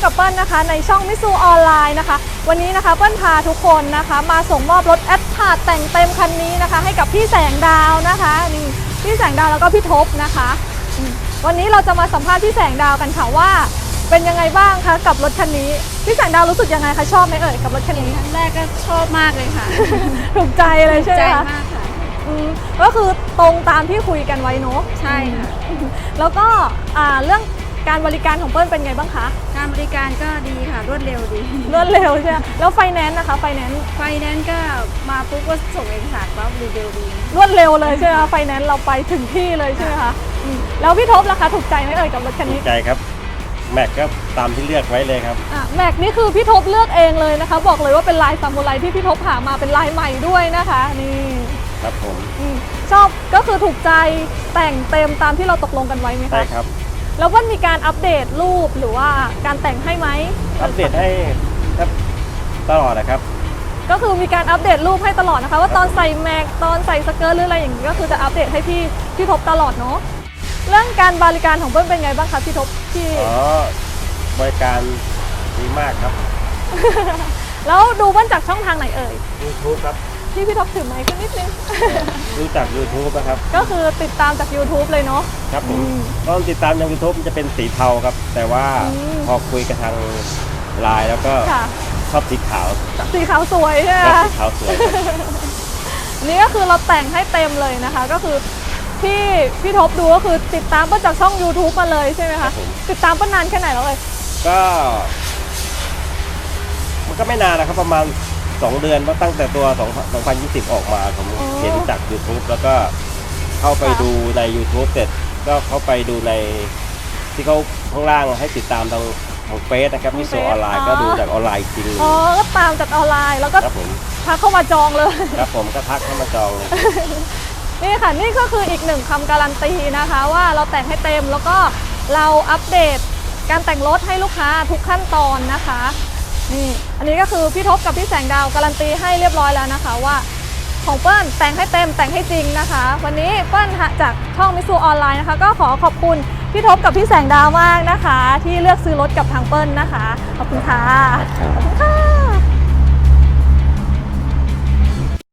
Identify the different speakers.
Speaker 1: กับเปิ้ลนะคะในช่องมิซูออนไลน์นะคะวันนี้นะคะเปิ้ลพาทุกคนนะคะมาส่งมอบรถแอดพาร์ตแต่งเต็มคันนี้นะคะให้กับพี่แสงดาวนะคะนี่พี่แสงดาวแล้วก็พี่ทบนะคะวันนี้เราจะมาสัมภาษณ์พี่แสงดาวกันค่ะว่าเป็นยังไงบ้างคะกับรถคันนี้พี่แสงดาวรู้สึกยังไงคะชอบไหมเอ่ยกับรถคันนี้
Speaker 2: ครั้งแรกก็ชอบมากเลยค่ะ
Speaker 1: ถูกใจเลยใช่ไหม
Speaker 2: ใจ
Speaker 1: คะ
Speaker 2: มากค่ะ
Speaker 1: ก็คือตรงตามที่คุยกันไว้เนอะ
Speaker 2: ใช่ค่ะ
Speaker 1: แล้วก็เรื่องการบริการของเปิ้ลเป็นไงบ้างคะ
Speaker 2: การบริการก็ดีค่ะ รวดเร็วดี
Speaker 1: รวดเร็วใช่ไหมแล้วไฟแนนซ์นะคะไฟแนนซ์
Speaker 2: ไฟแนนซ์ก็มาปุ๊บก็ส่งเอกสารปั๊บรีวิวดี
Speaker 1: รวดเร็วเลยใช่ไหมคะไฟแนนซ์เราไปถึงที่เลยใช่ไหมคะแล้วพี่ทบล่ะคะถูกใจไหมเอ่ยกับรถคัน
Speaker 3: ถู
Speaker 1: นี้
Speaker 3: กใจครับแม็กก็ตามที่เลือกไว้เลยครับ
Speaker 1: แม็กนี่คือพี่ทบเลือกเองเลยนะคะบอกเลยว่าเป็นลายซามูไรที่พี่ทบหามาเป็นลายใหม่ด้วยนะคะนี่
Speaker 3: ครับผม
Speaker 1: ชอบก็คือถูกใจแต่งเต็มตามที่เราตกลงกันไว้ไหมคะ
Speaker 3: ใช่ครับ
Speaker 1: แล้วว่ามีการอัปเดตรูปหรือว่าการแต่งให้ไหม
Speaker 3: อัปเดตให้ครับตลอดนะครับ
Speaker 1: ก็คือมีการอัปเดตรูปให้ตลอดนะคะว่าตอนใส่แม็กตอนใส่สเกิร์ตหรืออะไรอย่างนี้ก็คือจะอัปเดตให้พี่ทบตลอดเนาะเรื่องการบริการของเปิ้ลเป็นไงบ้างคะพี่ทบที่
Speaker 3: บริการดีมากครับ
Speaker 1: แล้วดูเปิ้ลจากช่องทางไหนเอ่ย
Speaker 3: YouTube ครับ
Speaker 1: พี่ทบถือไมค์ขึ้นนิดนึง
Speaker 3: ดูจาก YouTube นะครับ
Speaker 1: ก็คือติดตามจาก YouTube เลยเนาะ
Speaker 3: ครับผมตอนติดตามทาง YouTube มันจะเป็นสีเทาครับ แต่ว่าพอคุยกับทางไลน์แล้วก็
Speaker 1: ค่ะ
Speaker 3: ชอบสีขาว
Speaker 1: สีขาวสวยใช่ไหม
Speaker 3: ชอบ
Speaker 1: คะ
Speaker 3: สีขาวสวยครับ
Speaker 1: นี่ก็คือเราแต่งให้เต็มเลยนะคะ ก็คือพี่ทบดูก็คือติดตามเปิ้ลจากช่อง YouTube มาเลยใช่ไหม
Speaker 3: ครั
Speaker 1: คะ
Speaker 3: บผม
Speaker 1: ติดตามเปิ้ลนานแค่ไหนแล้วเลย
Speaker 3: ก็มันก็ไม่นานนะครับประมาณ 2 เดือนเพราะตั้งแต่ตัว 2020 ออกมาผมเห็นจาก YouTube แล้วก็เข้าไปดูใน YouTube เสร็จก็เข้าไปดูในที่เขาข้างล่างให้ติดตามทางของเฟซนะครับมิโซออนไลน์ก็ดูจากออนไลน์อีกทีนึง
Speaker 1: อ๋อก็ตามจากออนไลน์แล้วก็
Speaker 3: ครับผม
Speaker 1: ทักเข้ามาจองเลย
Speaker 3: ครับผมก็ทักเข้ามาจองเลย
Speaker 1: นี่ค่ะนี่ก็คืออีกหนึ่งคำการันตีนะคะว่าเราแต่งให้เต็มแล้วก็เราอัปเดตการแต่งรถให้ลูกค้าทุกขั้นตอนนะคะนี่อันนี้ก็คือพี่ทบกับพี่แสงดาวการันตีให้เรียบร้อยแล้วนะคะว่าของเปิ้ลแต่งให้เต็มแต่งให้จริงนะคะวันนี้เปิ้ลจากช่องมิซูออนไลน์นะคะก็ขอขอบคุณพี่ทบกับพี่แสงดาวมากนะคะที่เลือกซื้อรถกับทางเปิ้ลนะคะขอบคุณค่ะขอบคุณค่ะ